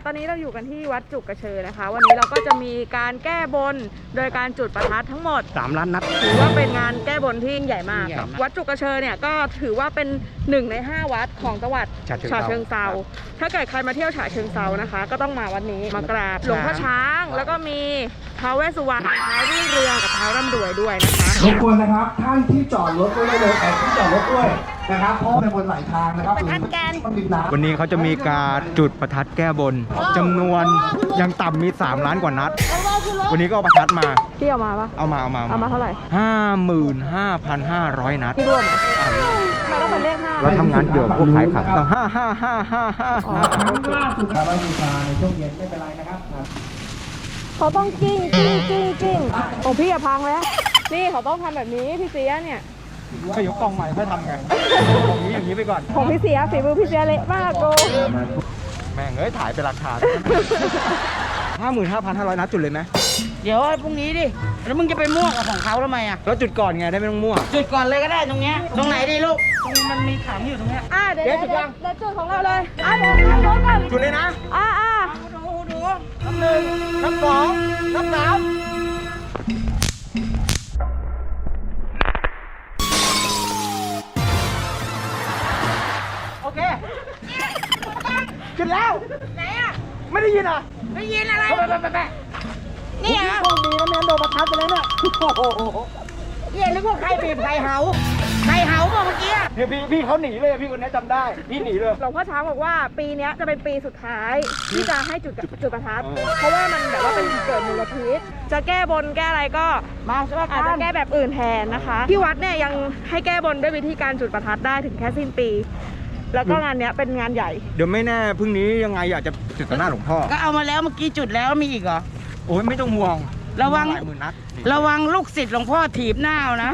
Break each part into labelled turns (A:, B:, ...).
A: ตอนนี้เราอยู่กันที่วัดจุกกระเชอนะคะวันนี้เราก็จะมีการแก้บนโดยการจุดประทัดทั้งหมด
B: 3 ล้านนัด
A: ถือว่าเป็นงานแก้บนที่ยิ่งใหญ่มากวัดจุกกระเชอเนี่ยก็ถือว่าเป็น1 ใน 5 วัดของจังหวัดฉะเชิงเทราถ้าเกิดใครมาเที่ยวฉะเชิงเทรานะคะก็ต้องมาวันนี้มากราบหลวงพ่อช้างแล้วก็มีท้าวเวสสุวรรณท้าวรุ่งเรืองกับท้าวร่ำรวยด้วยนะคะ
C: รบกวนนะครับท่านที่จอดรถไว้ได้เลยที่จอดรถด้วยนะครับเพราะเป็นบนหลายทางนะครับ
B: วันนี้เขาจะมีการจุดประทัดแก้บนจำนวนยังต่ำมี3 ล้านกว่านัดวันนี้ก็เอาประทัดมา
A: พี่เอามาปะ
B: เอามา
A: เท่าไหร่
B: 55,500 นัด
A: ที่รวมไม่ต้องเป็นเลข5
B: เราทำงานเกี่ยวกับพวกขายขับต้อง5
C: ล่าสุดครับบูชาในช่วงเย็นไม่เป็นไรนะครับ
A: เขาต้องกิ้งโอ้พี่อย่าพังแล้วนี่เขาต้องทำแบบนี้พี่เสียเนี่ย
B: ก็ยกกองใหม่ค่อยทำไงอย่างนี้ไปก่อน
A: ของพี่เสียฝีมือพี่เสียเละมากโก
B: แม่งถ่ายเป็นหลักฐาน55,500 นัดจุดเลยไหม
D: เดี๋ยวพรุ่งนี้ดิแล้วมึงจะไปมั่วกับของเขาทำไมอ่ะ
B: แล้วจุดก่อนไงได้ไม่ต้องมั่ว
D: จุดก่อนเลยก็ได้ตรงเนี้ยตรงไหนดีลูกตรงมันมีถังอยู่ตรงเนี้ย
A: เดี๋ยวจุดของเราเลยเดี๋ยวกัน
B: จุดเลยนะ
D: ดู
B: นับ 1 นับ 2 นับ 3โอเคจุดแล้ว
D: ไหนอ่ะ
B: ไม่ได้ยินอ่ะ
D: ไม่ยินอะไรไป
B: นี่อ่ะโชคดีนะแม่โดนประทัดไปแล้วเนี่ย
D: เย็นนึกว่าใครบีบใครเห่าบอกเมื่อกี้
B: เดี๋ยวพี่เขาหนีเลยพี่คนนี้จำได้พี่หนีเลย
A: หลวงพ่อช้างบอกว่าปีนี้จะเป็นปีสุดท้ายที่จะให้จุดประทัดเพราะว่ามันแบบว่าเป็นเกิดมลพิษจะแก้บนแก้อะไรก็อาจจะแก้แบบอื่นแทนนะคะที่วัดเนี่ยยังให้แก้บนด้วยวิธีการจุดประทัดได้ถึงแค่สิ้นปีแล้วก็งานเนี้ยเป็นงานใหญ่
B: เดี๋ยวไม่แน่พรุ่งนี้ยังไงอยากจะจุดต่อหน้าหลวงพ่อ
D: ก็เอามาแล้วเมื่อกี้จุดแล้วมีอีกเหรอ
B: โอ้ยไม่ต้องห่วง
D: ระวังลูกศิษย์หลวงพ่อถีบหน้านะ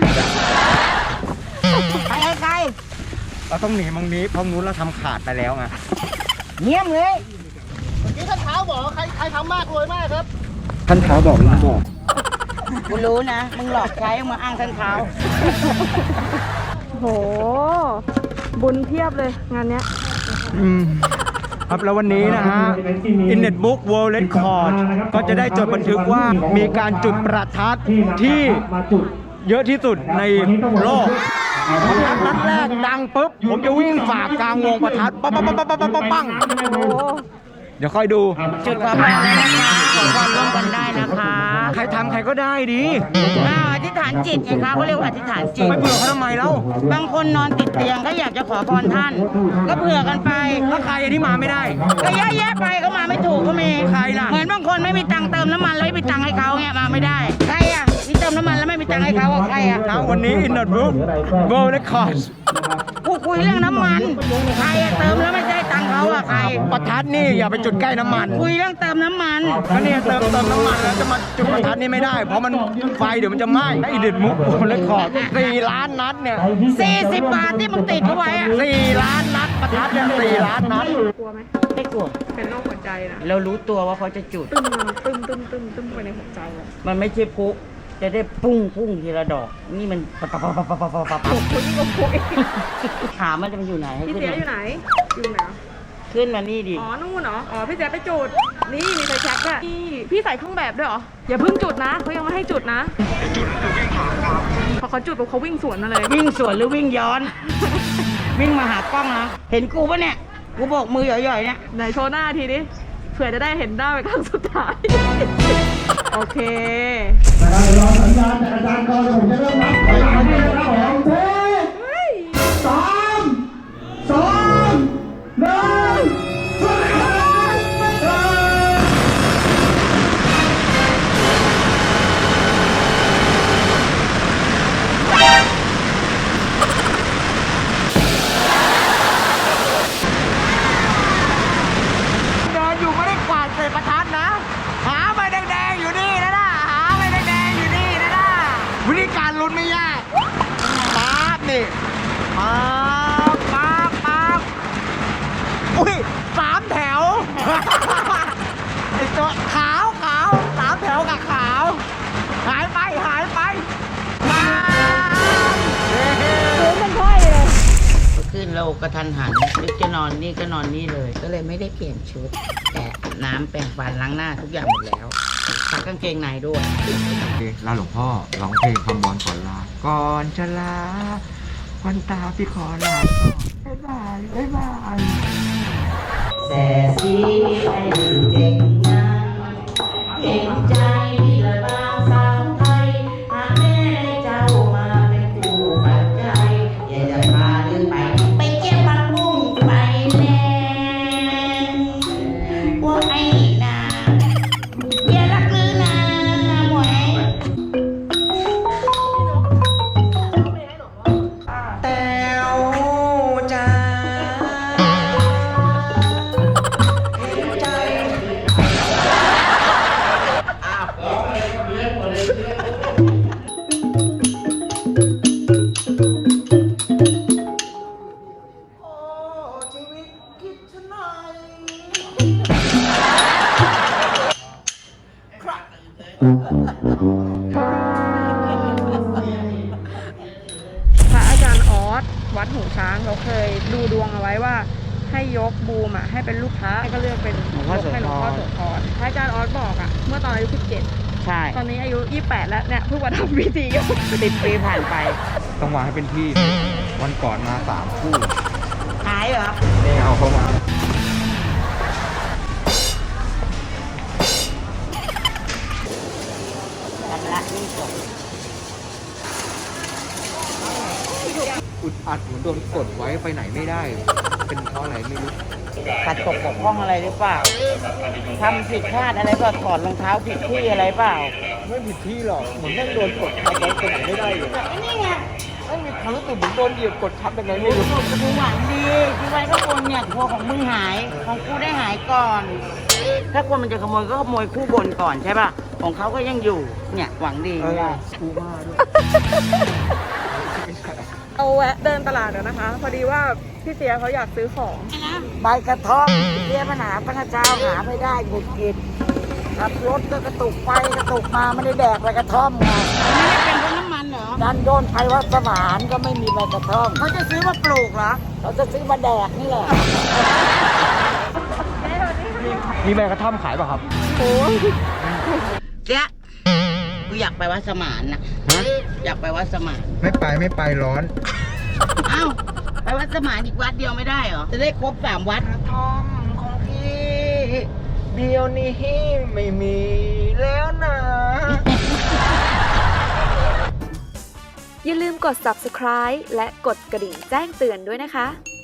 D: ไปไกล
B: เราต้องหนีมังนี้เพราะนู้นเราทำขาดไปแล้วไง
D: เงียบเลย
C: เมื่อกี้ท่านเท้าบอกใครทำมากรวยมากครับ
B: ท่านเท้าบอกลุงบอก
D: กูรู้นะมึงหลอกใช้มาอ้างท่านเท้า
A: โหบุญเพียบเลยงานเนี้ย
B: ครับแล้ววันนี้นะฮะ Guinness Book World Record ก็จะได้จดบันทึกว่ามีการจุดประทัดที่เยอะที่สุดในโลกประทัดนัดแรกดังปุ๊บผมจะวิ่งฝ่ากลางวงประทัดปังเดี๋ยวค่อยดู
D: จุดขอพรเลยนะคะขอพรร่วมกันได้นะคะ
B: ใครทำใครก็ได้ดี
D: อธิษฐานจิตไงคะเขาเรียกว่าอธิษฐานจิต
B: ไม่เผื่อเขาทำไมแล้ว
D: บางคนนอนติดเตียงก็อยากจะขอพรท่านก็เผื่อกันไป
B: แล้วใครที่มาไม่ได้
D: ก็เยอะแยะไปเขามาไม่ถูกก็มี
B: ใครล่ะ
D: เหมือนบางคนไม่มีตังค์เติมน้ำมันแล้วไม่มีตังค์ให้เขาเนี่ยมาไม่ได้ใครอ่ะที่เติมน้ำมันแล้วไม่มีตังค์ให้เขาใครอ่ะ
B: วันนี้ Guinness Book World Record
D: กูคุยเรื่องน้ำมันใครเติมแล้วไม่ได้ตังค์เขาอ่ะใคร
B: ประทัดนี่อย่าไปจุดใกล้น้ำมัน
D: คุยเรื่องเติมน้ำมัน
B: ก็เนี่ยเติมน้ำมันแล้วจะมาจุดประทัดนี่ไม่ได้เพราะมันไฟเดี๋ยวมันจะไหม้ไอ้เด็ดมุกเลคคอร์ด4 ล้านนัดเนี่ย
D: 40 บาทที่มึงติดเขาไว้อะ
B: 4 ล้านนัดประทัดเนี่ย4 ล้านนัด
A: กลัวไหม
D: ไม่กลัว
A: เป็นโรคหัวใจนะ
D: เรารู้ตัวว่าเขาจะจุด
A: ตึ้มไปในหัวใจ
D: มันไม่ใช่พุจะได้พุ่งทีละดอกนี่มัน
A: ปับคนที่ก็พุง
D: ขามันจะไปอยู่ไหน
A: พี่เจ๊อยู่ไหน
D: ขึ้นมานี่ดิ
A: นู่นเหรอพี่เจ๊ไปจุดนี่มีไฟแช็กอะพี่ใส่เครื่องแบบด้วยเหรออย่าเพิ่งจุดนะเขายังไม่ให้จุดนะจุดวิ่งผ่านพอเขาจุดเขาวิ่งสวนมาเลย
D: วิ่งสวนหรือวิ่งย้อนวิ่งมาหากล้องนะเห็นกูปะเนี่ยกูบอกมือหย่อยๆเนี่ย
A: ไหนโชว์หน้าทีดิเผื่อจะได้เห็นหน้าไปครั้งสุดท้ายโอเค
C: นะครับรอสัญญาณจากอาจารย์ก่อนผมจะเริ่มนับถอยหลังเลยนะครับผม3 2 1
B: วิธีการลุ้นไม่ยากปา
D: เรากระทันหันนึกจะนอนนี่ก็นอนนี่เลย ก็เลยไม่ได้เปลี่ยนชุด แต่อาบน้ำแปรงฟันล้างหน้าทุกอย่างหมดแล้วซักกางเกงในด้วย
B: ลาหลวงพ่อร้องเพลงคำบอลก่อนลา ก่อนจะลาวันตาพี่ขอลาบ๊ายบายบ๊ายบาย
D: แต่สีให้เด็กนะเก่งใจพี่ละบางสาวไทยหากแม่เจ้ามาเป็นผู้ปัจจัยอย่าจะพาเดินไปเก็บผักบุ้งไปแน่ว่าไอ้นาอย่ารักลือนะหมวย
B: แต้วจ้า
A: พระอาจารย์ออสวัดหูช้างเขาเคยดูดวงเอาไว้ว่าให้ยกบูมให้เป็นลูกค้าก็เลือกเป็นยกให้หลวงพ่อโสธรพระอาจารย์ออสบอกเมื่อตอนอายุ 17
D: ใช่
A: ตอนนี้อายุ 28 แล้วเนี่ยเพิ่งมาทำพิธีอยู่
D: 10 ปีผ่านไป
B: ต้องวางให้เป็นที่ วันก่อนมา3 คู่
D: หายเหรอ
B: นี่เอาเข้ามา
D: ชำระหนี่ก่อน
B: อุดอัดเหมือนโดนกดไว้ไปไหนไม่ได้ เป็นเพราะอะไรไม่รู้
D: ขัดตกบกพร่องอะไรหรือเปล่าทำผิดพลาดอะไรเปล่าถอดรองเท้าผิดที่อะไรเปล่า
B: ไม่ผิดที่หรอก เหมือนแม่งโดนกดทับไว้ไปไหนไม่ได้เลย
D: นี่ไง
B: ไม่มีความรู้สึกเหมือนโดนเหยียบกดทับยังไงไม่
D: รู้
B: รู้
D: สึกกูหวังดีที่ไว้ก็คนเนี่ยทัวของมึงหาย ของกูได้หายก่อน ถ้าคนมันจะขโมยก็ขโมยคู่บนก่อนใช่ป่ะ ของเขาก็ยังอยู่ เนี่ยหวังดี
B: เออ
D: ไง
B: กูมาด้วย
A: เอาแวะเดินตลาดเดี๋ยวนะคะ พอดีว่าพี่เสียเขาอยากซื้อของ
D: ใบกระท่อมเรียกปัญหาพระเจ้าหาไม่ได้หงุดหงิดขับรถก็กระตุกไปกระตุกมาไม่ได้แดกใบกระท่อมไงไม่ได้เป็นเพราะน้ำมันเหรอดันโดนไทยวัดสมานก็ไม่มีใบกระท่อมเขาจะซื้อมาปลูกเหรอเขาจะซื้อมาแดกนี่แหละ
B: มีใบกระท่อมขายป่ะครับ
D: เจ๊ะกูอยากไปวัดสมานน่ะ
B: ฮะ
D: อยากไปวัดสมาน
B: ไม่ไปร้อน
D: เอ้าไปวัดสมานอีกวัดเดียวไม่ได้เหรอจะได้ครบ3 วัด
B: กระท่อมของพี่เดียวนี้ไม่มีแล้วนะ
E: อย่าลืมกด subscribe และกดกระดิ่งแจ้งเตือนด้วยนะคะ